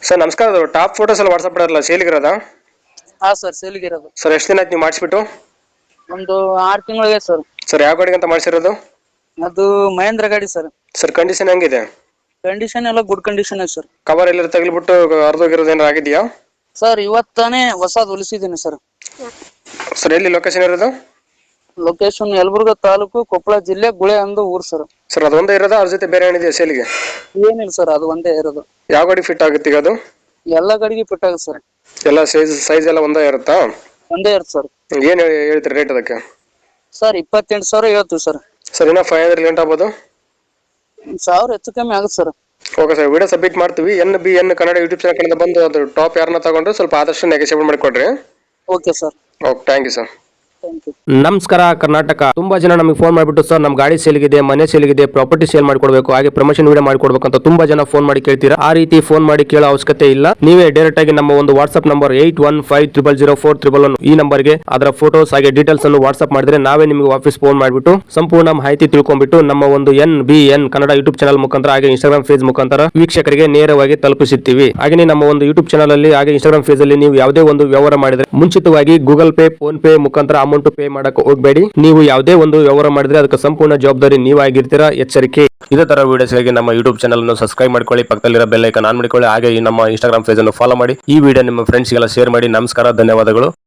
Sir ನಮಸ್ಕಾರ, ಅದು top photos ಎಲ್ಲ ವಾಟ್ಸಪ್ ಮಾಡಲ್ಲ ಸೇಲಿಗಿರೋದಾ? ಹಾ ಸರ್, ಸೇಲ್ಗಿರೋದು. ಸರ್ ಎಷ್ಟು ದಿನ ಆಯ್ತು ನೀವು ಮಾಡಿಸ್ಬಿಟ್ಟು? ಒಂದು 6 ತಿಂಗಳಿಗೆ ಸರ್. ಸರ್ ಯಾವ ಗಾಡಿಗೆ ಅಂತ ಮಾಡಿಸಿರೋದು? ಅದು ಮಹೇಂದ್ರ ಗಾಡಿ ಸರ್. ಸರ್ ಕಂಡೀಷನ್ ಹೆಂಗಿದೆ? ಕಂಡೀಷನ್ ಎಲ್ಲ ಗುಡ್ ಕಂಡೀಷನ್ ಇದೆ ಸರ್. ಕವರ್ ಎಲ್ಲರೂ ತಗಲಿಬಿಟ್ಟು ಹರಿದೋಗಿರೋದು ಏನಾರು ಆಗಿದೆಯಾ? ಸರ್ ಇವತ್ತಾನೆ ಹೊಸದು ಹೊಲಿಸಿದ್ದೀನಿ ಸರ್. ಸರ್ ಎಲ್ಲಿ ಲೊಕೇಶನ್ ಇರೋದು? ಲೊಕೇಶನ್ ಯಲಬುರ್ಗಾ ತಾಲೂಕು, ಕೊಪ್ಪಳ ಜಿಲ್ಲೆ, ಗುಳೆ ಅಂದು ಊರು ಸರ್. ಸರ್ ಅದು ಒಂದೇ ಇರೋದಾ, ಅದ್ರ ಜೊತೆ ಬೇರೆ ಏನಿದೆಯಾ ಸೇಲಿಗೆ? ಏನಿಲ್ಲ ಸರ್, ಅದು ಒಂದೇ ಇರೋದು. ಯಾವ ಗಾಡಿ ಫಿಟ್ ಆಗುತ್ತೆ ಈಗ ಅದು? ಎಲ್ಲ ಗಾಡಿಗೆ ಫಿಟ್ ಆಗುತ್ತೆ ಸರ್. ಎಲ್ಲ ಸೈಜ್ ಎಲ್ಲ ಒಂದೇ ಇರುತ್ತಾ? ಒಂದೇ ಇರುತ್ತೆ ಸರ್. ಏನು ಹೇಳ್ತೀರಿ ರೇಟ್ ಅದಕ್ಕೆ? ಸರ್ 28,000 ಹೇಳ್ತೀವಿ ಸರ್. ಸರ್ ಇನ್ನೂ 500 ಲೇಟ್ ಆಗ್ಬೋದು? 1,000 ಹೆಚ್ಚು ಕಮ್ಮಿ ಆಗುತ್ತೆ sir. Okay sir, video submit ಮಾಡ್ತೀವಿ. NBN ಕನ್ನಡ ಯೂಟ್ಯೂಬ್ ಚಾನಲ್ ಕಡೆಯಿಂದ ಬಂದು ಅದು ಟಾಪ್ ಯಾರನ್ನ ತಗೊಂಡ್ರೆ ಸ್ವಲ್ಪ ಆದಷ್ಟು ನೆಗೆಸಿಬಲ್ ಮಾಡಿಕೊಡ್ರಿ. Okay sir. Okay, thank you sir. ನಮಸ್ಕಾರ ಕರ್ನಾಟಕ. ತುಂಬಾ ಜನ ನಮಗೆ ಫೋನ್ ಮಾಡಿಬಿಟ್ಟು ಸರ್ ನಮ್ಮ ಗಾಡಿ ಸೇಲ್ಗಿದೆ, ಮನೆ ಸೇಲ್ಗಿದೆ, ಪ್ರಾಪರ್ಟಿ ಸೇಲ್ ಮಾಡ್ಕೊಡ್ಬೇಕು, ಹಾಗೆ ಪ್ರಮೋಷನ್ ವಿಡಿಯೋ ಮಾಡ್ಕೊಡ್ಬೇಕು ಅಂತ ತುಂಬಾ ಜನ ಫೋನ್ ಮಾಡಿ ಕೇಳ್ತೀರಾ. ಆ ರೀತಿ ಫೋನ್ ಮಾಡಿ ಕೇಳೋ ಅವಶ್ಯಕತೆ ಇಲ್ಲ. ನೀವೇ ಡೈರೆಕ್ಟ್ ಆಗಿ ನಮ್ಮ ಒಂದು ವಾಟ್ಸ್ಆಪ್ ನಂಬರ್ 81500411 ಈ ನಂಬರ್ಗೆ ಅದರ ಫೋಟೋಸ್ ಹಾಗೆ ಡೀಟೇಲ್ಸ್ ಅನ್ನು ವಾಟ್ಸ್ಆಪ್ ಮಾಡಿದ್ರೆ ನಾವೇ ನಿಮಗೆ ವಾಪಸ್ ಫೋನ್ ಮಾಡಿಬಿಟ್ಟು ಸಂಪೂರ್ಣ ಮಾಹಿತಿ ತಿಳ್ಕೊಂಡ್ಬಿಟ್ಟು ನಮ್ಮ ಒಂದು NBN ಕನ್ನಡ ಯೂಟ್ಯೂಬ್ ಚಾನಲ್ ಮುಖಾಂತರ ಹಾಗೆ ಇನ್ಸ್ಟಾಗ್ರಾಮ್ ಪೇಜ್ ಮುಖಾಂತರ ವೀಕ್ಷಕರಿಗೆ ನೇರವಾಗಿ ತಲುಪಿಸುತ್ತೀವಿ. ಹಾಗೆ ನಮ್ಮ ಒಂದು ಯೂಟ್ಯೂಬ್ ಚಾನಲ್ ಅಲ್ಲಿ ಹಾಗೆ ಇನ್ಸ್ಟಾಗ್ರಾಮ್ ಪೇಜ್ ಅಲ್ಲಿ ನೀವು ಯಾವುದೇ ಒಂದು ವ್ಯವಹಾರ ಮಾಡಿದ್ರೆ ಮುಂಚಿತವಾಗಿ ಗೂಗಲ್ ಪೇ, ಫೋನ್ ಪೇ ಮುಖಾಂತರ ಅಮೌಂಟ್ ಪೇ ಮಾಡಕ್ಕೆ ಹೋಗಬೇಡಿ. ನೀವು ಯಾವುದೇ ಒಂದು ವ್ಯವಹಾರ ಮಾಡಿದ್ರೆ ಅದಕ್ಕೆ ಸಂಪೂರ್ಣ ಜವಾಬ್ದಾರಿ ನೀವಾಗಿರ್ತೀರಾ, ಎಚ್ಚರಿಕೆ. ಇದೇ ತರ ವಿಡಿಯೋಸ್ಗಾಗಿ ನಮ್ಮ ಯೂಟ್ಯೂಬ್ ಚಾನಲ್ ಅನ್ನು ಸಬ್ಸ್ಕ್ರೈಬ್ ಮಾಡ್ಕೊಳ್ಳಿ, ಪಕ್ಕದಲ್ಲಿರೋ ಬೆಲ್ ಐಕಾನ್ ಆನ್ ಮಾಡಿಕೊಳ್ಳಿ, ಹಾಗೆ ನಮ್ಮ ಇನ್ಸ್ಟಾಗ್ರಾಮ್ ಪೇಜ್ ಅನ್ನು ಫಾಲೋ ಮಾಡಿ. ಈ ವಿಡಿಯೋ ನಿಮ್ಮ ಫ್ರೆಂಡ್ಸ್ಗೆಲ್ಲ ಶೇರ್ ಮಾಡಿ. ನಮಸ್ಕಾರ, ಧನ್ಯವಾದಗಳು.